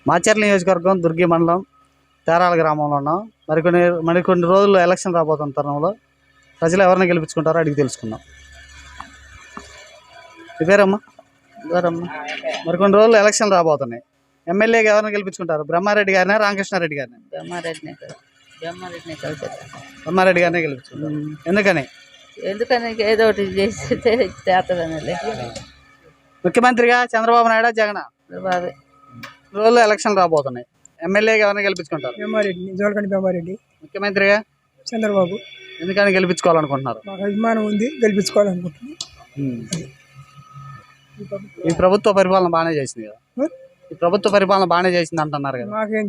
మాచర్ల నియోజకవర్గం దుర్గి మండలం తేరాల గ్రామంలో ఉన్నాం. మరికొన్ని రోజుల్లో ఎలక్షన్ రాబోతున్న తరుణంలో ప్రజలు ఎవరిని గెలిపించుకుంటారో అడిగి తెలుసుకుందాం. పేరమ్మా మరికొన్ని రోజుల్లో ఎలక్షన్ రాబోతున్నాయి. ఎమ్మెల్యేగా ఎవరిని గెలిపించుకుంటారు? బ్రహ్మారెడ్డి గారినా రామకృష్ణారెడ్డి గారిని? బ్రహ్మారెడ్డి గారినే గెలిపించుకుంటారు. ఎందుకని ఏదో ఒకటి చేస్తే చేస్తుందని. ముఖ్యమంత్రిగా చంద్రబాబు నాయుడు జగన్ రోజుల్లో ఎలక్షన్ రాబోతున్నాయి. ఎమ్మెల్యేగా ఎవరిని గెలిపించుకుంటారు? బ్రహ్మారెడ్డి. ముఖ్యమంత్రిగా చంద్రబాబు. ఎందుకని గెలిపించుకోవాలనుకుంటున్నారు? మాకు అభిమానం ఉంది, గెలిపించుకోవాలనుకుంటున్నాం. ఈ ప్రభుత్వ పరిపాలన బాగానే చేసింది కదా? ఈ ప్రభుత్వ పరిపాలన బాగానే చేసింది అంటున్నారు కదా? మాకేం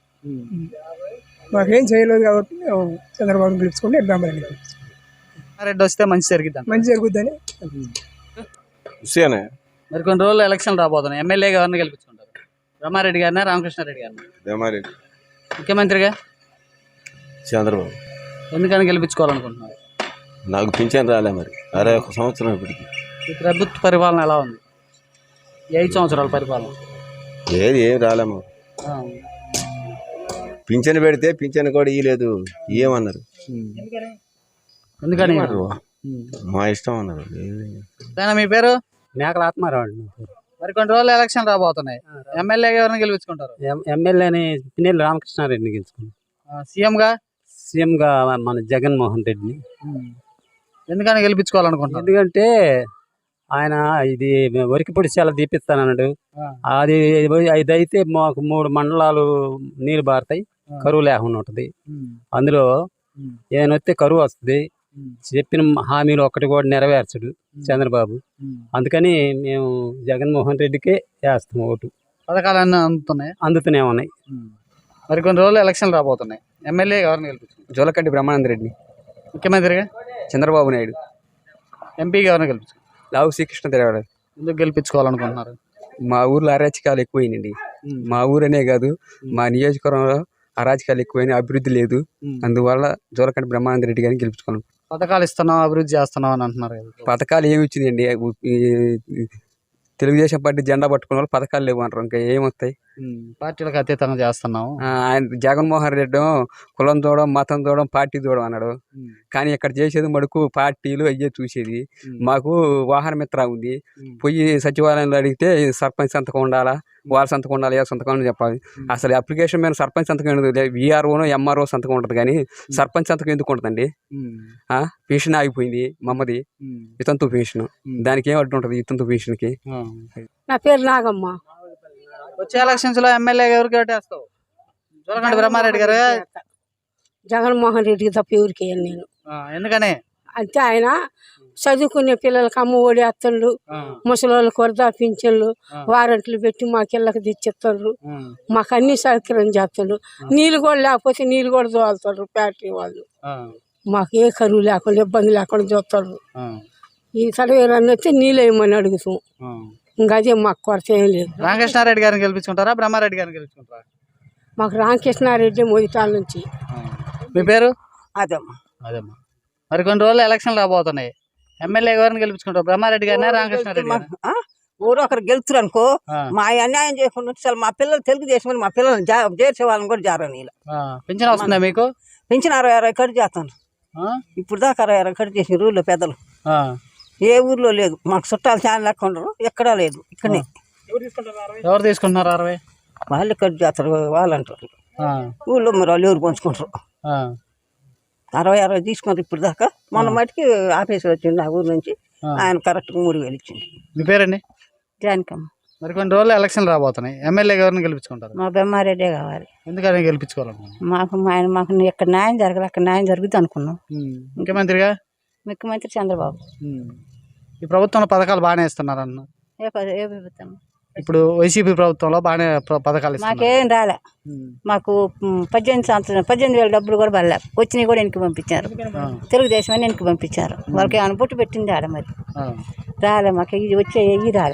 చేయలేదు కాబట్టి మేము చంద్రబాబు గెలుచుకుంటే బ్రహ్మారెడ్డి వస్తే మంచి జరుగుద్దని. మరి కొన్ని రోజులు ఎలక్షన్ రాబోతున్నాయి. ఎమ్మెల్యేగా ఎవరిని గెలిపించుకుంటారు? బ్రహ్మారెడ్డి గారినా రామకృష్ణారెడ్డి గారిని? బ్రహ్మారెడ్డి. ముఖ్యమంత్రిగా చంద్రబాబు. ఎందుకని గెలిపించుకోవాలనుకుంటున్నారు? నాకు పింఛన్ రాలే మరి 61 సంవత్సరం ఇప్పటికి. ఈ ప్రభుత్వ పరిపాలన ఎలా ఉంది? 5 సంవత్సరాల పరిపాలన ఏం రాలేము. పింఛన్ పెడితే పింఛన్ కూడా ఇవ్వలేదు. ఏమన్నారు? ఎందుకని? మా ఇష్టం అన్నారు. మీ పేరు? మేకల ఆత్మారావు. మరి కొన్ని రోజులు ఎలక్షన్ రాబోతున్నాయి. ఎమ్మెల్యేగా ఎవరిని గెలిపించుకుంటారు? ఎమ్మెల్యేని పిన్నెల్లి రామకృష్ణారెడ్డిని గెలుచుకున్నాం. సీఎంగా మన జగన్మోహన్ రెడ్డిని. ఎందుకని గెలిపించుకోవాలనుకుంటున్నారు? ఎందుకంటే ఆయన ఇది వరికి పొడి చాలా తీపిస్తానన్నాడు. అది అయితే మాకు 3 మండలాలు నీళ్ళు బారుతాయి, కరువు లేకుండా ఉంటుంది. అందులో ఏదైనా వస్తే కరువు వస్తుంది. చెప్పిన హామీలు ఒక్కటి కూడా నెరవేర్చడు చంద్రబాబు. అందుకని మేము జగన్మోహన్ రెడ్డికే వేస్తాం ఓటు. పథకాలన్నీ అందుతూనే ఉన్నాయి. మరి కొన్ని రోజులు ఎలక్షన్ రాబోతున్నాయి. ఎమ్మెల్యే ఎవరిని గెలిపించుకుంటారు? జోలకంటి బ్రహ్మానంద రెడ్డి. ముఖ్యమంత్రిగా చంద్రబాబు నాయుడు. ఎంపీగా ఎవరిని గెలిపించుకుంటారు? లావు శ్రీకృష్ణ దేవరాయలు. ఎందుకు గెలిపించుకోవాలనుకుంటున్నారు? మా ఊర్లో అరాచకాలు ఎక్కువైనండి. మా ఊరనే కాదు, మా నియోజకవర్గంలో అరాచకాలు ఎక్కువైనా, అభివృద్ధి లేదు. అందువల్ల జోలకంటి బ్రహ్మానంద రెడ్డి గారిని గెలుపుకోవాలి. పథకాలు ఇస్తున్నాం, అభివృద్ధి చేస్తున్నాం అని అంటున్నారు కదా? పథకాలు ఏమి ఇచ్చిందండి? తెలుగుదేశం పార్టీ జెండా పట్టుకున్న వాళ్ళు పథకాలు లేవు అంటారు. ఇంకా ఏమొస్తాయి? పార్టీలకు అతీతంగా చేస్తున్నాం. ఆయన జగన్మోహన్ రెడ్డి కులం చూడడం, మతం చూడడం, పార్టీ చూడడం అన్నాడు. కానీ ఇక్కడ చేసేది మడుకు పార్టీలు అయ్యే చూసేది. మాకు వాహన మిత్ర ఉంది. పోయి సచివాలయంలో అడిగితే సర్పంచ్ సంతకం ఉండాలా, వాళ్ళ సంతకం ఉండాలి, ఏ సంతకం అని చెప్పాలి. అసలు అప్లికేషన్ మీద సర్పంచ్ సంతకం ఉండదు. విఆర్ఓనో ఎంఆర్ఓ సంతకం ఉంటుంది, కానీ సర్పంచ్ సంతకం ఎందుకు ఉంటుందండి? పెన్షన్ ఆగిపోయింది మమ్మది, వితంతు పెన్షన్. దానికి ఏం అడ్డు ఉంటుంది వితంతు పెన్షన్కి? నా పేరు నాగమ్మ. వచ్చే ఎలక్షన్స్ లో ఎమ్మెల్యే ఎవరికి ఓటేస్తావు? జోలకంటి బ్రహ్మారెడ్డి గారు? జగన్మోహన్ రెడ్డికి తప్ప ఎవరికి నేను. ఎందుకని? అంటే ఆయన చదువుకునే పిల్లలకి అమ్మ ఒడి అత్తళ్ళు, ముసలి వాళ్ళకి వరదా పింఛన్లు, వారంట్లు పెట్టి మాకు ఇళ్ళకి తెచ్చిస్తారు. మాకు అన్ని సౌకర్యం చేస్తారు. నీళ్ళు కూడా లేకపోతే నీళ్ళు కూడా తోలుతారు ఫ్యాక్టరీ వాళ్ళు. మాకు ఏ కరువు లేకుండా, ఇబ్బంది లేకుండా చూస్తారు. ఈ సడవేరన్నీ వస్తే నీళ్ళు వేయమని అడుగుతాం. ఇంకా అదే మాకు కొరత ఏం లేదు. రామకృష్ణారెడ్డి గారిని గెలిపించుకుంటారా, బ్రహ్మారెడ్డి గారిని గెలిపించుకుంటారా? మాకు రామకృష్ణారెడ్డి మొదటాల నుంచి. మీ పేరు? అదమ్మా. మరి కొన్ని రోజులు ఎలక్షన్ రాబోతున్నాయి. ఎమ్మెల్యే గారిని గెలిపించుకుంటారు? బ్రహ్మారెడ్డి గారిని, రామకృష్ణారెడ్డి గారిని? ఊరు ఒకరు గెలుతురు అనుకో, మా అన్యాయం చేయకుండా అసలు మా పిల్లలు తెలుగుదేశం, మా పిల్లలు చేర్చే వాళ్ళని కూడా జారని. పింఛన్ వస్తుందా మీకు? పింఛన్ 60 కట్ చేస్తాను. ఇప్పుడు దాకా 60 కట్ చేసిన ఊళ్ళో పెద్దలు. ఏ ఊర్లో లేదు. మాకు చుట్టాలు చాలా లెక్క ఉండరు, ఎక్కడా లేదు. ఇక్కడనే. ఎవరు తీసుకుంటున్నారు 60? వాళ్ళు కట్ చేస్తారు, వాళ్ళు అంటారు. ఊళ్ళో మరి వాళ్ళు ఎవరు పంచుకుంటారు. 60 తీసుకుంటారు ఇప్పుడు దాకా. మొన్న మటుకి ఆఫీసర్ వచ్చిండు ఆ ఊరు నుంచి, ఆయన కరెక్ట్గా 3000 ఇచ్చింది. మీ పేరండి? జానకమ్మ. మరి కొన్ని రోజులు ఎలక్షన్ రాబోతున్నాయి. ఎమ్మెల్యే గారిని గెలిపించుకుంటారు? మా బ్రహ్మారెడ్డే కావాలి. ఎందుకని గెలిపించుకోవాలనుకున్నాం? మాకు ఇక్కడ న్యాయం జరగాలి, అక్కడ న్యాయం జరుగుతుంది అనుకున్నాం. ముఖ్యమంత్రిగా? ముఖ్యమంత్రి చంద్రబాబు. ఈ ప్రభుత్వంలో పథకాలు బాగానే ఇస్తున్నారు అన్న. ఏ ప్రభుత్వం? ఇప్పుడు వైసీపీ ప్రభుత్వంలో బాగానే పథకాలు ఇస్తున్నారు. మాకేం రాలే. మాకు 18,000 డబ్బులు కూడా పడలే. వచ్చినవి కూడా వెనక్కి పంపించారు. తెలుగుదేశం అని వెనక్కి పంపించారు. వాళ్ళకి ఏమైనా పుట్టు పెట్టింది ఆడ, మరి రాలే. మాకు ఇది వచ్చే రాలే.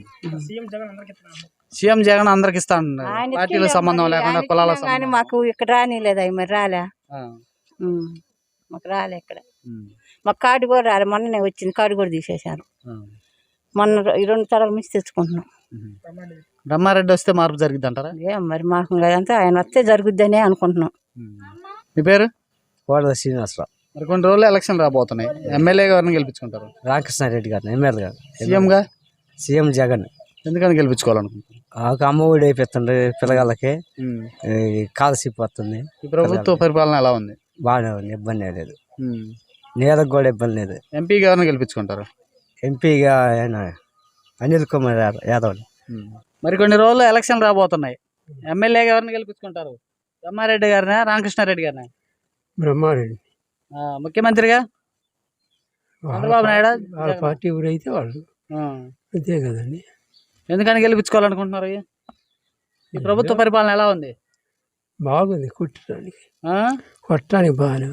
సీఎం జగన్ అందరికి ఇస్తా పార్టీల సంబంధం లేకుండా, కులాల కానీ మాకు ఇక్కడ రానిలేదు. అవి మరి రాలే. మాకు రాలే ఇక్కడ. మాకు కార్డు కూడా రాలే. మొన్ననే వచ్చింది, కార్డు కూడా తీసేశారు. మొన్న 2 తరాల నుంచి తెచ్చుకుంటున్నాం. బ్రహ్మారెడ్డి వస్తే మార్పు జరిగిద్ది అంటారా? ఏం మరి మాకు అదంతా ఆయన వస్తే జరుగుద్దనే అనుకుంటున్నాం. మీ పేరు? కోడల శ్రీనివాసరావు. మరి కొన్ని రోజులు ఎలక్షన్ రాబోతున్నాయి. ఎమ్మెల్యే గారిని గెలిపించుకుంటారు? రామకృష్ణారెడ్డి గారిని ఎమ్మెల్యే గారు. సీఎం జగన్. ఎందుకని గెలిపించుకోవాలనుకుంటున్నారు? అమ్మ ఒడి అయిపోతుంది పిల్లగాళ్ళకి, కాలసిప్ వస్తుంది. ఈ ప్రభుత్వ పరిపాలన ఎలా ఉంది? బాగానే ఉంది, ఇబ్బంది లేదు. నేలకు కూడా ఇబ్బంది లేదు. ఎంపీ గారిని గెలిపించుకుంటారు? ఎంపీగా ఆయన అనిల్ కుమార్ యాదవ్. మరి కొన్ని రోజులు ఎలక్షన్ రాబోతున్నాయి. ఎమ్మెల్యే గారిని గెలిపించుకుంటారు? బ్రహ్మారెడ్డి గారినా రామకృష్ణారెడ్డి గారినా? బ్రహ్మారెడ్డి. ముఖ్యమంత్రిగా చంద్రబాబు నాయుడు వాళ్ళ పార్టీ ఊరైతే వాళ్ళు అంతే కదండి. ఎందుకని గెలిపించుకోవాలనుకుంటున్నారు? ఈ ప్రభుత్వ పరిపాలన ఎలా ఉంది? బాగుంది, కొట్టడానికి బాగానే.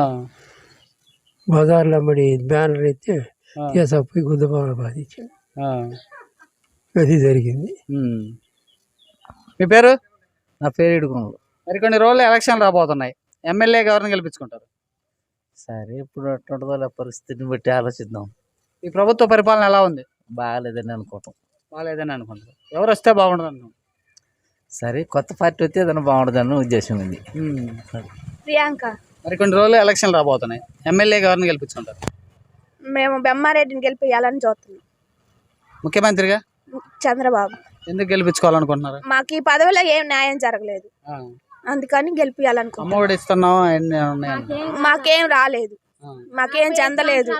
బజార్లో మరి బ్యానర్ అయితే తీసుకుపోయి గుద్దబాబు బాధించాడు, అది జరిగింది. మీ పేరు? నా పేరు ఇడుకున్నాడు. మరి కొన్ని రోజులు ఎలక్షన్ రాబోతున్నాయి. ఎమ్మెల్యే గారిని గెలిపించుకుంటారు? సరే, ఇప్పుడు అటువంటి పరిస్థితిని బట్టి ఆలోచిద్దాం. ఈ ప్రభుత్వ పరిపాలన ఎలా ఉంది? బాగాలేదని అనుకుంటాం. బాగాలేదని అనుకుంటారు. ఎవరు వస్తే బాగుండదు అనుకుంటారు? సరే, కొత్త పార్టీ వస్తే ఏదైనా బాగుంటుందని ఉద్దేశం ఉంది. ప్రియాంక. మరి కొన్ని రోజులు ఎలక్షన్ రాబోతున్నాయి. ఎమ్మెల్యే గారిని గెలిపించుకుంటారు? మేము బ్రహ్మారెడ్డిని గెలిపియాలని చూస్తున్నాం. ముఖ్యమంత్రిగా చంద్రబాబు. ఎందుకు గెలిపించుకోవాలనుకుంటున్నారు? మాకు ఈ పదవిలో ఏం న్యాయం జరగలేదు, అందుకని గెలిపియాలనుకుంటున్నాం. అమ్మఒడి ఇస్తున్నాం, అన్ని ఉన్నాయండి. మాకేం రాలేదు, మాకేం చెందలేదు,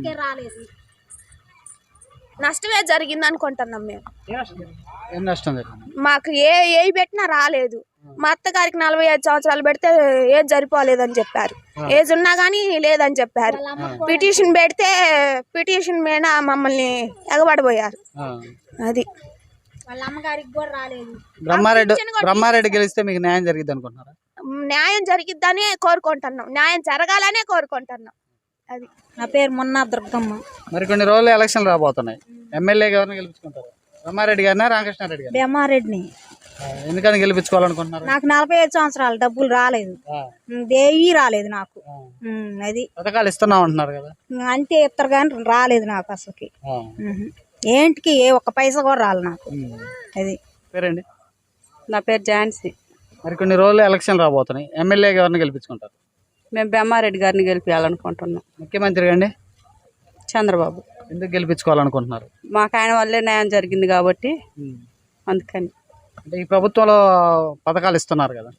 నష్టమే జరిగింది అనుకుంటున్నాం మేము. ఏం నష్టం జరిగింది? మాకు ఏ పెట్టినా రాలేదు. మా అత్తగారికి 45 సంవత్సరాలు పెడితే ఏజ్ సరిపోలేదని చెప్పారు, ఏజ్ ఉన్నా కానీ లేదని చెప్పారు. పిటిషన్ పెడితే పిటిషన్ మీద మమ్మల్ని ఎగబడిపోయారు. అది వాళ్ళ అమ్మగారికి కూడా రాలేదు. బ్రహ్మారెడ్డి గెలిస్తే మీకు న్యాయం జరిగిద్ది అనుకుంటున్నారా? న్యాయం జరిగిద్దని కోరుకుంటున్నాం, న్యాయం జరగాలనే కోరుకుంటున్నాం. అది. నా పేరు మొన్న దుర్గమ్మ. మరి కొన్ని రోజులు ఎలక్షన్ రాబోతున్నాయి. ఎమ్మెల్యే గారిని గెలిపించుకుంటారు? బ్రహ్మారెడ్డి గారినా రామకృష్ణారెడ్డి గారు? బ్రహ్మారెడ్డిని. ఎందుకని గెలిపించుకోవాలనుకుంటున్నారు? నాకు 45 సంవత్సరాలు, డబ్బులు రాలేదు, దేవి రాలేదు నాకు. అది పథకాలు ఇస్తున్నాం అంటున్నారు కదా? అంతే ఇస్తారు కానీ రాలేదు నాకు అసలుకి. ఏంటికి ఒక్క పైసా కూడా రాలేదు నాకు. అది. పేరండి? నా పేరు ఝాన్సీ. మరి కొన్ని రోజులు ఎలక్షన్ రాబోతున్నాయి. ఎమ్మెల్యే గారిని గెలిపించుకుంటారు? మేము బ్రహ్మారెడ్డి గారిని గెలిపించాలనుకుంటున్నాం. ముఖ్యమంత్రిగా అండి? చంద్రబాబు. ఎందుకు గెలిపించుకోవాలనుకుంటున్నారు? మాకు ఆయన వల్లే న్యాయం జరిగింది కాబట్టి అందుకని. అంటే ఈ ప్రభుత్వంలో పథకాలు ఇస్తున్నారు కదా?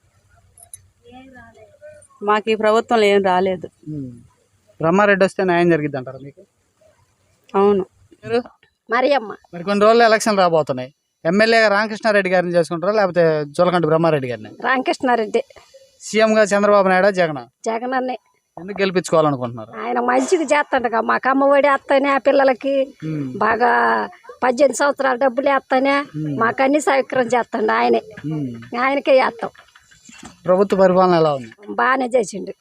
మాకు ఈ ప్రభుత్వంలో ఏం రాలేదు. బ్రహ్మారెడ్డి వస్తే న్యాయం జరిగిద్ది అంటారా మీకు? అవును. మరియమ్మ. మరి కొన్ని రోజులు ఎలక్షన్ రాబోతున్నాయి. ఎమ్మెల్యేగా రామకృష్ణారెడ్డి గారిని చేసుకుంటారా లేకపోతే జోలకంటి బ్రహ్మారెడ్డి గారిని? రామకృష్ణారెడ్డి. సీఎంగా చంద్రబాబు నాయుడు జగన్? జగన్ అన్నే. ఎందుకు గెలిపించుకోవాలనుకుంటున్నారు? ఆయన మంచిగా చేస్తాడుగా, మాకు అమ్మఒడి వేస్తానే, ఆ పిల్లలకి బాగా 18 సంవత్సరాల డబ్బులు వేస్తానే, మాకు అన్ని సౌకర్యం చేస్తాడు ఆయనే. ఆయనకే చేస్తాం. ప్రభుత్వ పరిపాలన ఎలా ఉంది? బాగానే చేసిండు.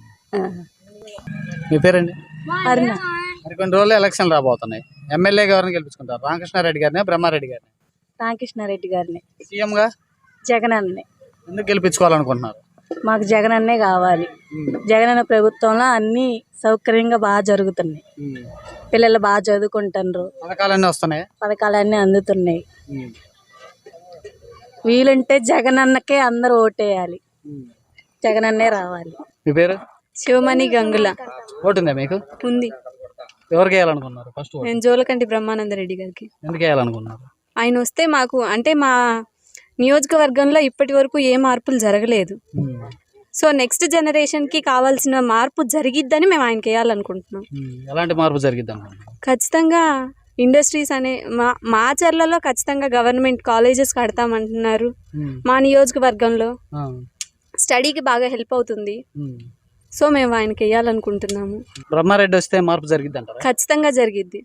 మీ పేరండి? మరి కొన్ని రోజులు ఎలక్షన్ రాబోతున్నాయి. ఎమ్మెల్యే గారిని గెలిపించుకుంటారు? రామకృష్ణారెడ్డి గారిని బ్రహ్మారెడ్డి గారిని? రామకృష్ణారెడ్డి గారిని. సీఎంగా జగన్ అన్నే. ఎందుకు గెలిపించుకోవాలనుకుంటున్నారు? మాకు జగన్ అన్నే కావాలి. జగన్ అన్న ప్రభుత్వంలో అన్ని సౌకర్యంగా బాగా జరుగుతున్నాయి. పిల్లలు బాగా చదువుకుంటున్నారు, పథకాలన్నీ వస్తున్నాయి, పథకాలన్నీ అందుతున్నాయి. వీలుంటే జగన్ అన్నకే అందరూ ఓటేయాలి, జగన్ అన్నే రావాలి. మీ పేరు? శివమణి గంగుల. ఓటుందా మీకు? ఉంది. ఎవరికి వేయాలనుకున్నారు ఫస్ట్? నేను జోలకంటి బ్రహ్మానందరెడ్డి గారికి. ఎందుకు వేయాలనుకున్నారు? ఆయన వస్తే మాకు అంటే మా నియోజకవర్గంలో ఇప్పటి వరకు ఏ మార్పులు జరగలేదు. సో నెక్స్ట్ జనరేషన్కి కావాల్సిన మార్పు జరిగిద్దని మేము ఆయనకి వేయాలనుకుంటున్నాం. ఎలాంటి మార్పు జరిగిద్దాం? ఖచ్చితంగా ఇండస్ట్రీస్ అనే మా చర్లలో ఖచ్చితంగా గవర్నమెంట్ కాలేజెస్ కడతామంటున్నారు. మా నియోజకవర్గంలో స్టడీకి బాగా హెల్ప్ అవుతుంది. సో మేము ఆయనకి వేయాలనుకుంటున్నాము. బ్రహ్మారెడ్డి వస్తే మార్పు జరిగిద్ది అంటారా? ఖచ్చితంగా జరిగిద్ది.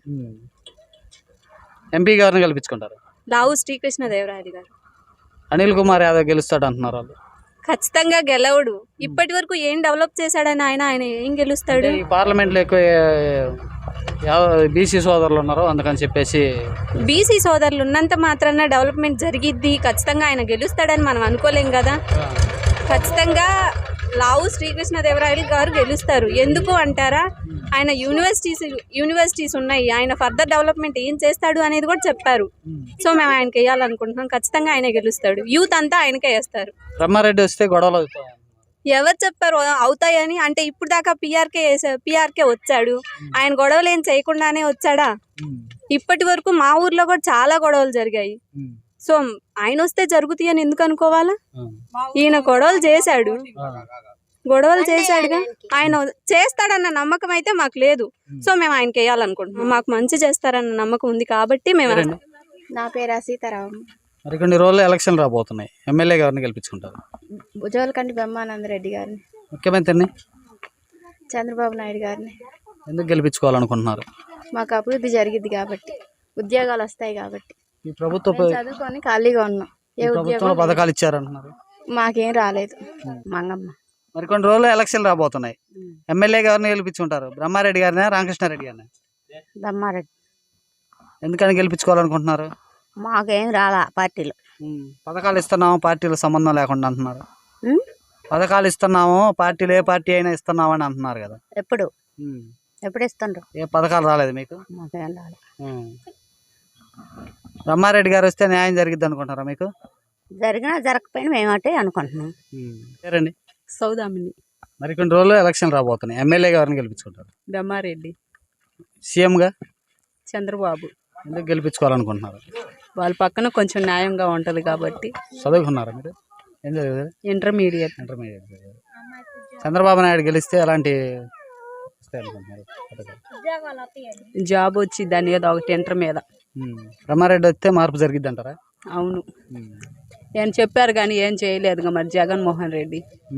ఎంపీ గారిని గెలిపించుకుంటారు? లావు శ్రీకృష్ణదేవరాయలు గారు. అనిల్ కుమార్ యాదవ్ గెలుస్తాడు అంటున్నారు వాళ్ళు. ఖచ్చితంగా గెలవడు. ఇప్పటి వరకు ఏం డెవలప్ చేశాడని ఆయన ఏం గెలుస్తాడు? ఈ పార్లమెంట్లో ఎక్కువ బీసీ సోదరులు ఉన్నారు, అందుకని చెప్పేసి. బీసీ సోదరులు ఉన్నంత మాత్రాన డెవలప్మెంట్ జరిగిద్ది, ఖచ్చితంగా ఆయన గెలుస్తాడని మనం అనుకోలేం కదా. ఖచ్చితంగా లావు శ్రీకృష్ణదేవరాయలు గారు గెలుస్తారు. ఎందుకు అంటారా, ఆయన యూనివర్సిటీస్ ఉన్నాయి, ఆయన ఫర్దర్ డెవలప్మెంట్ ఏం చేస్తాడు అనేది కూడా చెప్పారు. సో మేము ఆయనకి వేయాలనుకుంటున్నాం. ఖచ్చితంగా ఆయన గెలుస్తాడు. యూత్ అంతా ఆయనకే వేస్తారు. బ్రహ్మారెడ్డి వస్తే గొడవలు అవుతాయి. ఎవరు చెప్పారు అవుతాయని? అంటే ఇప్పుడు దాకా పిఆర్కే వచ్చాడు, ఆయన గొడవలు ఏం చేయకుండానే వచ్చాడా? ఇప్పటి వరకు మా ఊర్లో కూడా చాలా గొడవలు జరిగాయి. సో ఆయన వస్తే జరుగుతాయి అని ఎందుకు అనుకోవాలా? ఈయన గొడవలు చేశాడుగా, ఆయన చేస్తాడన్న నమ్మకం అయితే మాకు లేదు. సో మేము ఆయనకి వేయాలనుకుంటున్నాం. మాకు మంచి చేస్తారన్న నమ్మకం ఉంది కాబట్టి మేము. నా పేరు సీతారాం. మరి కొన్ని రోజులు ఎలక్షన్ రాబోతున్నాయి. ఎమ్మెల్యే గారిని గెలిపించుకుంటారు. జోలకంటి బ్రహ్మానంద రెడ్డి గారిని. ముఖ్యమంత్రిని చంద్రబాబు నాయుడు గారిని. ఎందుకు గెలిపించుకోవాలనుకుంటున్నారు? మాకు అభివృద్ధి జరిగింది కాబట్టి, ఉద్యోగాలు వస్తాయి కాబట్టి. ఈ ప్రభుత్వ చదువుకొని ఖాళీగా ఉన్నాం. ఏ ప్రభుత్వంలో పథకాలు ఇచ్చారంటున్నారు. మాకేం రాలేదు. మంగమ్మ. మరి కొన్ని రోజులు ఎలక్షన్ రాబోతున్నాయి. ఎమ్మెల్యే గారిని గెలిపించుకుంటారు. బ్రహ్మారెడ్డి గారిని, రామకృష్ణారెడ్డి గారిని? బ్రహ్మారెడ్డి. ఎందుకని గెలిపించుకోవాలనుకుంటున్నారు? మాకేం రాలా పార్టీలు. పథకాలు ఇస్తున్నాము, పార్టీలకు సంబంధం లేకుండా అంటున్నారు. పథకాలు ఇస్తున్నాము, పార్టీలు ఏ పార్టీ అయినా ఇస్తున్నాము అని అంటున్నారు కదా. ఎప్పుడు ఇస్తుండ్రు? ఏ పథకాలు రాలేదు మీకు? మాకేం రాలే. బ్రహ్మారెడ్డి గారు వస్తే న్యాయం జరిగిద్ది అనుకుంటారా మీకు? జరిగినా జరగకపోయినా మేమంటే అనుకుంటున్నాం. పేరండి? సౌదామిని. మరి కొన్ని రోజులు ఎలక్షన్ రాబోతున్నాయి. ఎమ్మెల్యే గారిని గెలిపించుకుంటారు. బ్రహ్మారెడ్డి. సీఎంగా చంద్రబాబు. ఎందుకు గెలిపించుకోవాలనుకుంటున్నారు? వాళ్ళ పక్కన కొంచెం న్యాయంగా ఉంటది కాబట్టి. చదువుకున్నారా మీరు? ఏం చదివారు? ఇంటర్మీడియట్. చంద్రబాబు నాయుడు గెలిస్తే ఎలాంటి వస్తాయి అనుకుంటున్నారు? జాబ్ వచ్చి దాని మీద ఒకటి ఇంటర్ మీద. బ్రహ్మారెడ్డి వస్తే మార్పు జరిగిద్ది అంటారా? అవును. ఏం చెప్పారు కానీ ఏం చేయలేదుగా మరి జగన్మోహన్ రెడ్డి.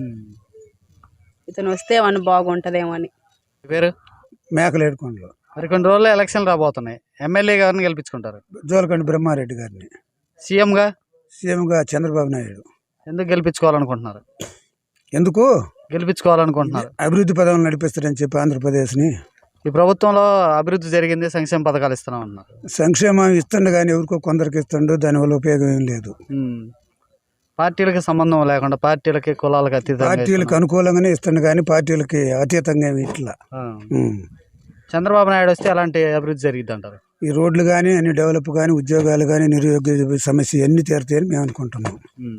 ఇతను వస్తే ఏమన్నా బాగుంటుందేమో అని. పేరు? మేకలేడుకోండి. మరి కొన్ని రోజుల్లో ఎలక్షన్ రాబోతున్నాయి. ఎమ్మెల్యే గారిని గెలిపించుకుంటారు. జోలకంటి బ్రహ్మారెడ్డి గారిని. సీఎంగా చంద్రబాబు నాయుడు. ఎందుకు గెలిపించుకోవాలనుకుంటున్నారు? ఎందుకు గెలిపించుకోవాలనుకుంటున్నారు? అభివృద్ధి పదవులు నడిపిస్తారని చెప్పి ఆంధ్రప్రదేశ్ని. ఈ ప్రభుత్వంలో అభివృద్ధి జరిగింది, సంక్షేమ పథకాలు ఇస్తున్నాం అన్నారు. సంక్షేమం ఇస్తుండ కానీ ఎవరికో కొందరికి ఇస్తుండో దానివల్ల ఉపయోగం ఏం లేదు. పార్టీలకి సంబంధం లేకుండా, పార్టీలకి కులాలకు అతీతంగా, పార్టీలకు అనుకూలంగానే ఇస్తుండ కానీ పార్టీలకి అతీతంగా ఇట్లా. చంద్రబాబు నాయుడు వస్తే అలాంటి అభివృద్ధి జరిగిద్ది అంటారు. ఈ రోడ్లు కానీ అన్ని డెవలప్ కానీ, ఉద్యోగాలు కానీ, నిరుద్యోగ సమస్య అన్ని తీరుతాయని మేము అనుకుంటున్నాం.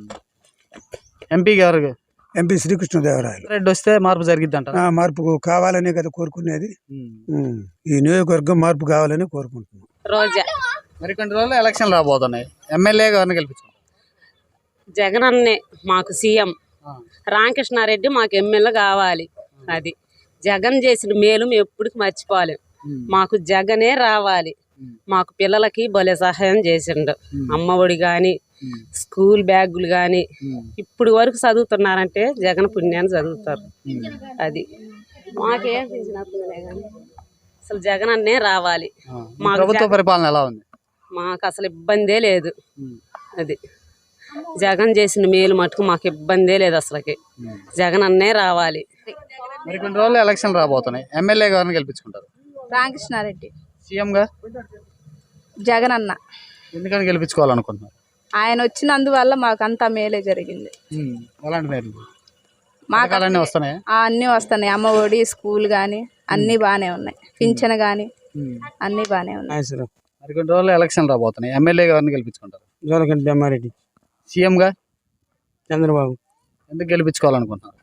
ఎంపీ శ్రీకృష్ణదేవరాయలు రెడ్డి వస్తే మార్పు జరిగిద్ది అంటారు. మార్పు కావాలనే కదా కోరుకునేది. ఈ నియోజకవర్గం మార్పు కావాలని కోరుకుంటున్నాం. మరి కొన్ని రోజులు ఎలక్షన్ రాబోతున్నాయి. ఎమ్మెల్యే గారిని గెలిపించుకుంటారు. జగన్ అన్నే మాకు సీఎం, రామకృష్ణారెడ్డి మాకు ఎమ్మెల్యే కావాలి. అది జగన్ చేసిన మేలు మేము ఎప్పటికి మర్చిపోలేం. మాకు జగనే రావాలి. మాకు పిల్లలకి భలే సహాయం చేసిండు. అమ్మఒడి కానీ, స్కూల్ బ్యాగులు కానీ, ఇప్పుడు వరకు చదువుతున్నారంటే జగన్ పుణ్యాన్ని చదువుతారు. అది మాకేం అసలు జగన్ అన్నే రావాలి. ప్రభుత్వ పరిపాలన ఎలా ఉంది? మాకు అసలు ఇబ్బందే లేదు. అది జగన్ చేసిన మేలు మటుకు మాకు ఇబ్బందే లేదు. అసలుకి జగన్ అన్నే రావాలి. మరి కొన్ని రోజులు ఎలక్షన్ రాబోతున్నాయి. ఎమ్మెల్యే గారిని గెలిపించుకుంటారు. రామకృష్ణారెడ్డి. సీఎంగా జగన్ అన్న. ఎందుకని గెలిపించుకోవాలనుకుంటున్నారు? ఆయన వచ్చినందువల్ల మాకు అంతా మేలే జరిగింది. ఎలాంటి మేలు? మాకు అన్నీ వస్తున్నాయి. అన్నీ వస్తున్నాయి. అమ్మఒడి, స్కూల్ కానీ అన్నీ బాగానే ఉన్నాయి. పింఛన్ కానీ అన్నీ బాగానే ఉన్నాయి. మరి కొన్ని రోజులు ఎలక్షన్ రాబోతున్నాయి. ఎమ్మెల్యే గారిని గెలిపించుకుంటారు. జోలకంటి బ్రహ్మారెడ్డి. సీఎంగా చంద్రబాబు. ఎందుకు గెలిపించుకోవాలనుకుంటున్నారు?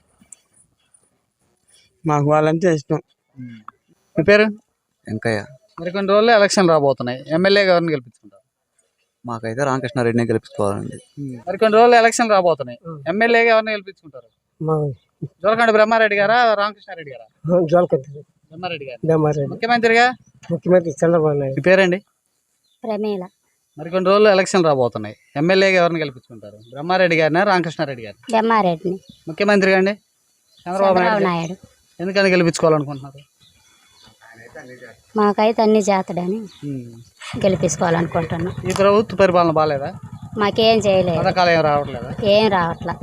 మాకు వాళ్ళంటే ఇష్టం. మీ పేరు? వెంకయ్య. మరి కొన్ని రోజుల్లో ఎలక్షన్ రాబోతున్నాయి. ఎమ్మెల్యే గారిని గెలిపించుకుంటారు. మాకైతే రామకృష్ణారెడ్డిని గెలిపించుకోవాలండి. మరి కొన్ని రోజులు ఎలక్షన్ రాబోతున్నాయి. ఎమ్మెల్యే గారిని గెలిపించుకుంటారు. జోలకంటి బ్రహ్మారెడ్డి గారా, రామకృష్ణారెడ్డి గారా? బ్రహ్మారెడ్డి గారు. ముఖ్యమంత్రి చంద్రబాబు నాయుడు. మీ పేరండి? ప్రమేల. మరి కొన్ని రోజులు ఎలక్షన్ రాబోతున్నాయి. ఎమ్మెల్యే గారిని గెలిపించుకుంటారు. బ్రహ్మారెడ్డి గారినా, రామకృష్ణారెడ్డి గారు? బ్రహ్మారెడ్డిని. ముఖ్యమంత్రి అండి చంద్రబాబు నాయుడు. ఎందుకని గెలిపించుకోవాలనుకుంటున్నారు? మాకైతే అన్ని చేతడని గెలిపించుకోవాలనుకుంటున్నాం. ఈ ప్రభుత్వ పరిపాలన బాగాలేదా? మాకేం చేయలేదు. పథకాలు ఏం రావట్లేదా? ఏం రావట్లా.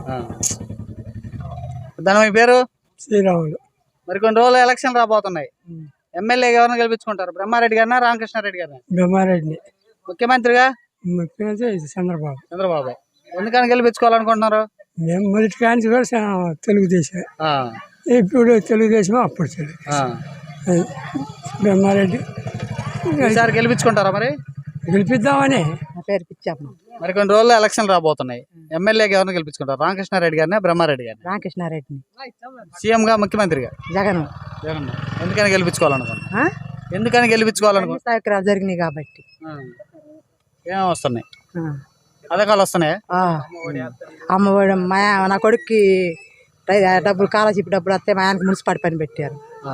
దాని మీ పేరు? శ్రీరాములు. మరి కొన్ని రోజులు ఎలక్షన్ రాబోతున్నాయి. ఎమ్మెల్యే గారిని గెలిపించుకుంటారు. బ్రహ్మారెడ్డి గారినా, రామకృష్ణారెడ్డి గారినా? బ్రహ్మారెడ్డిని. ముఖ్యమంత్రిగా చంద్రబాబు. ఎందుకని గెలిపించుకోవాలనుకుంటున్నారు? మేము మొదటి కాంచి కూడా తెలుగుదేశం, ఇప్పుడు తెలుగుదేశం, అప్పుడు తెలుగుదేశం. బ్రహ్మారెడ్డి ఈసారి గెలిపించుకుంటారా మరి? గెలిపిద్దామని మరి కొన్ని రోజుల్లో ఎలక్షన్ రాబోతున్నాయి. ఎమ్మెల్యేగా ఎవరిని గెలిపించుకుంటారు? రామకృష్ణారెడ్డి గారిని, బ్రహ్మారెడ్డి గారిని? రామకృష్ణారెడ్డిని. సీఎం గా, ముఖ్యమంత్రిగా జగన్. జగన్. ఎందుకని గెలిపించుకోవాలనుకున్నా? ఎందుకని గెలిపించుకోవాలనుకున్నా? సౌకర్యాలు జరిగినాయి కాబట్టి. ఏం వస్తున్నాయి పథకాలు? వస్తున్నాయా? అమ్మఒడి నా కొడుక్కి డబ్బులు, స్కాలర్షిప్ డబ్బులు వస్తే మా ఆయనకు మున్సిపాలిటీ పని పెట్టారు.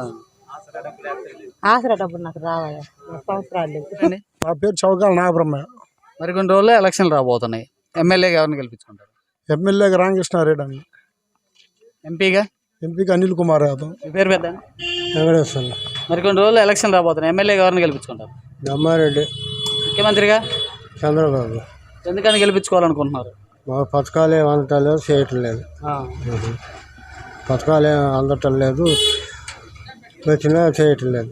ఆసరా డబ్బులు నాకు రావయ్యా, సంవత్సరాలు లేవు. నా పేరు చౌకాల నాగబ్రహ్మ. మరి కొన్ని రోజుల్లో ఎలక్షన్ రాబోతున్నాయి. ఎమ్మెల్యేగా ఎవరిని గెలిపించుకుంటారు? ఎమ్మెల్యేగా రామకృష్ణారెడ్డి అండి. ఎంపీగా అనిల్ కుమార్ యాదవ్. మీ పేరు పెద్ద? వెంకటేశ్వర. మరి కొన్ని రోజుల్లో ఎలక్షన్ రాబోతున్నాయి. ఎమ్మెల్యేగా ఎవరిని గెలిపించుకుంటారు? బ్రహ్మారెడ్డి. ముఖ్యమంత్రిగా చంద్రబాబు. ఎందుకని గెలిపించుకోవాలనుకుంటున్నారు? మా పథకాలు ఏం అందటం లేదు, చేయటం లేదు. పథకాలు ఏం అందటం లేదు, వచ్చినా చేయటం లేదు.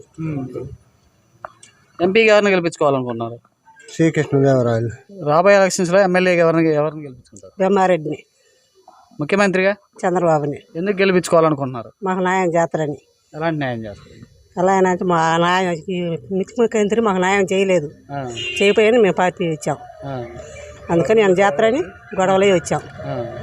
ఎంపీగా ఎవరిని గెలిపించుకోవాలనుకుంటున్నారు? శ్రీకృష్ణదేవరాయలు. రాబోయే ఎలక్షన్స్ లో ఎమ్మెల్యేగా ఎవరిని గెలిపించుకుంటారు? బ్రహ్మారెడ్డిని. ముఖ్యమంత్రిగా చంద్రబాబుని. ఎందుకు గెలిపించుకోవాలనుకుంటున్నారు? మాకు న్యాయం చేస్తారని. ఎలాంటి న్యాయం చేస్తారు? ఎలా అయినా మా న్యాయం, ముఖ్యమంత్రి మాకు న్యాయం చేయలేదు, చేయపోయాని మేము పార్టీ ఇచ్చాం. అందుకని ఆయన చేస్తారని గొడవలే వచ్చాం.